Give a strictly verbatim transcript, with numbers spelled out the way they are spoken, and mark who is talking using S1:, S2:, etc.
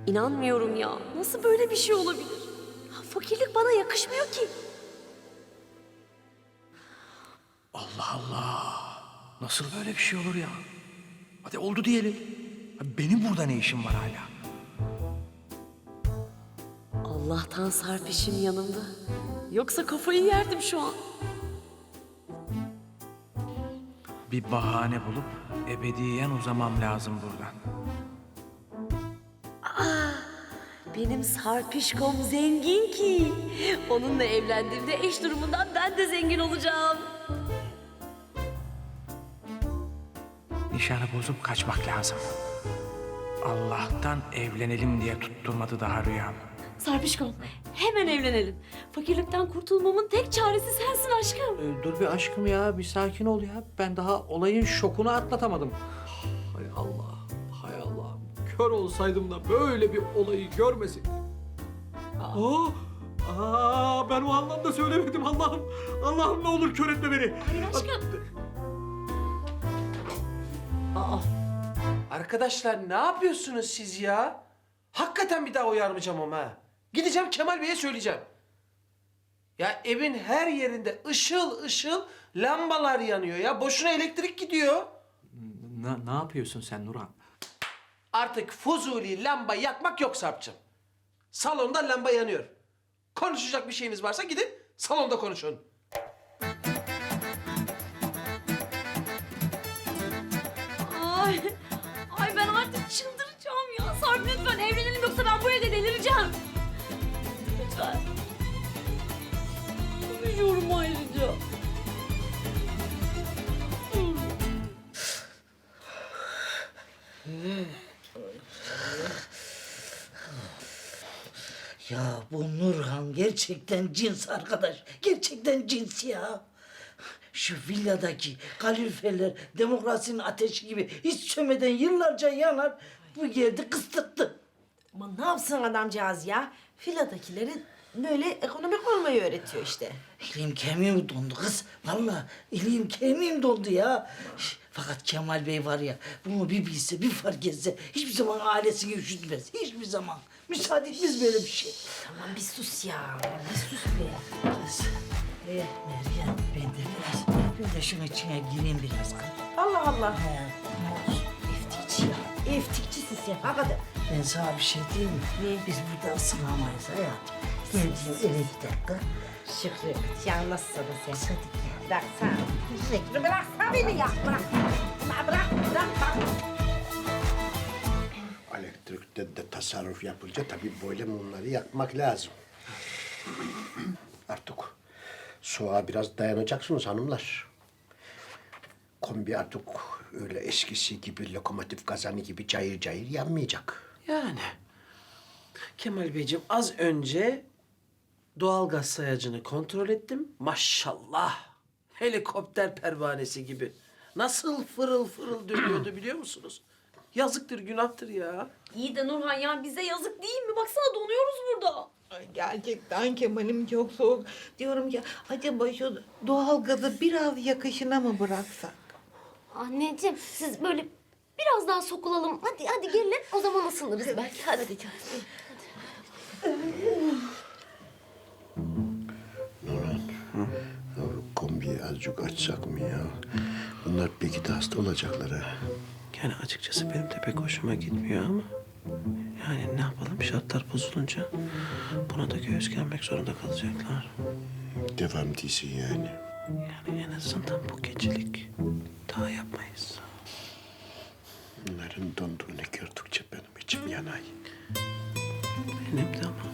S1: İnanmıyorum ya. Nasıl böyle bir şey olabilir? Ya, fakirlik bana yakışmıyor ki.
S2: Allah Allah. Nasıl böyle bir şey olur ya? Hadi oldu diyelim. Benim burada ne işim var hala?
S1: Allah'tan Sarpiş'im yanımda. Yoksa kafayı yerdim şu an.
S2: Bir bahane bulup ebediyen uzamam lazım buradan.
S1: Benim Sarpişkom zengin ki. Onunla evlendiğimde eş durumundan ben de zengin olacağım.
S2: Nişanı bozup kaçmak lazım. Allah'tan evlenelim diye tutturmadı daha rüyam.
S1: Sarpişkom, hemen evlenelim. Fakirlikten kurtulmamın tek çaresi sensin aşkım.
S3: Ee, dur bir aşkım ya, bir sakin ol ya. Ben daha olayın şokunu atlatamadım. Hay Allah, hay Allah. Kör olsaydım da böyle bir olayı görmeseydim. Aa, aa, ben o anlamda söylemedim Allah'ım. Allah'ım ne olur kör etme beni.
S1: Hayır aşkım. Aa,
S3: Arkadaşlar ne yapıyorsunuz siz ya? Hakikaten bir daha uyarmayacağım ama ha. Gideceğim Kemal Bey'e söyleyeceğim. Ya evin her yerinde ışıl ışıl lambalar yanıyor ya. Boşuna elektrik gidiyor.
S4: Ne, ne yapıyorsun sen Nurhan?
S3: Artık fuzuli lamba yakmak yok Sarp'cığım. Salonda lamba yanıyor. Konuşacak bir şeyiniz varsa gidin salonda konuşun.
S1: ay, ay ben artık çıldıracağım ya. Sarp lütfen evlenelim yoksa ben bu evde delireceğim. Lütfen. Konuşuyorum ayrıca.
S5: Ya bu Nurhan gerçekten cins arkadaş. Gerçekten cins ya. Şu villadaki kaloriferler demokrasinin ateşi gibi hiç sönmeden yıllarca yanar. Bu geldi kıstırttı.
S6: Ama ne yapsın adamcağız ya? Filadakilerin böyle ekonomik olmayı öğretiyor işte.
S5: Elim kemiğim dondu kız. Vallahi elim kemiğim dondu ya. Şş, Fakat Kemal Bey var ya, bunu bir bilse, bir fark etse hiçbir zaman ailesini üşütmez. Hiçbir zaman. Müsaade etmez böyle bir şey.
S6: Tamam bir sus ya. Bir sus be.
S5: Kız, eh Meryem, ben de biraz böyle şunun içine gireyim biraz kız.
S6: Allah Allah.
S5: He, ne olsun?
S6: Eftikçi ya. Eftikçisin sen. Hakikaten.
S5: Ben sana bir şey diyeyim mi?
S6: Ne?
S5: Biz burada ısınamayız hayatım. Geldiğim eve gidelim kız.
S6: Şükrü. Yalnız sana sen.
S5: Kız hadi gel.
S6: Bırak sen. Şükrü bıraksana beni ya. Bırak. Bırak bırak. Bırak. bak.
S7: Elektrikte de tasarruf yapınca tabii böyle mumları yakmak lazım. Artık soğuğa biraz dayanacaksınız hanımlar. Kombi artık öyle eskisi gibi lokomotif kazanı gibi cayır cayır yanmayacak.
S3: Yani Kemal Beyciğim az önce doğalgaz sayacını kontrol ettim. Maşallah helikopter pervanesi gibi. Nasıl fırıl fırıl dönüyordu biliyor musunuz? Yazıktır, günahtır ya.
S1: İyi de Nurhan ya bize yazık değil mi? Baksana donuyoruz burada.
S8: Ay gerçekten Kemal'im çok soğuk. Diyorum ki acaba şu doğalgazı biraz yakışına mı bıraksak?
S9: Anneciğim siz böyle biraz daha sokulalım. Hadi hadi gelin o zaman ısınırız belki. Hadi. hadi.
S7: Nurhan, ya kombiyi azıcık açsak mı ya? Bunlar belki de hasta olacaklar ha.
S3: Yani açıkçası benim de pek hoşuma gitmiyor ama... Yani ne yapalım şartlar bozulunca buna da göğüs germek zorunda kalacaklar.
S7: Devam değilsin yani.
S3: Yani en azından bu gecelik daha yapmayız.
S7: Bunların donduğunu gördükçe benim içim yanay.
S3: Benim de ama.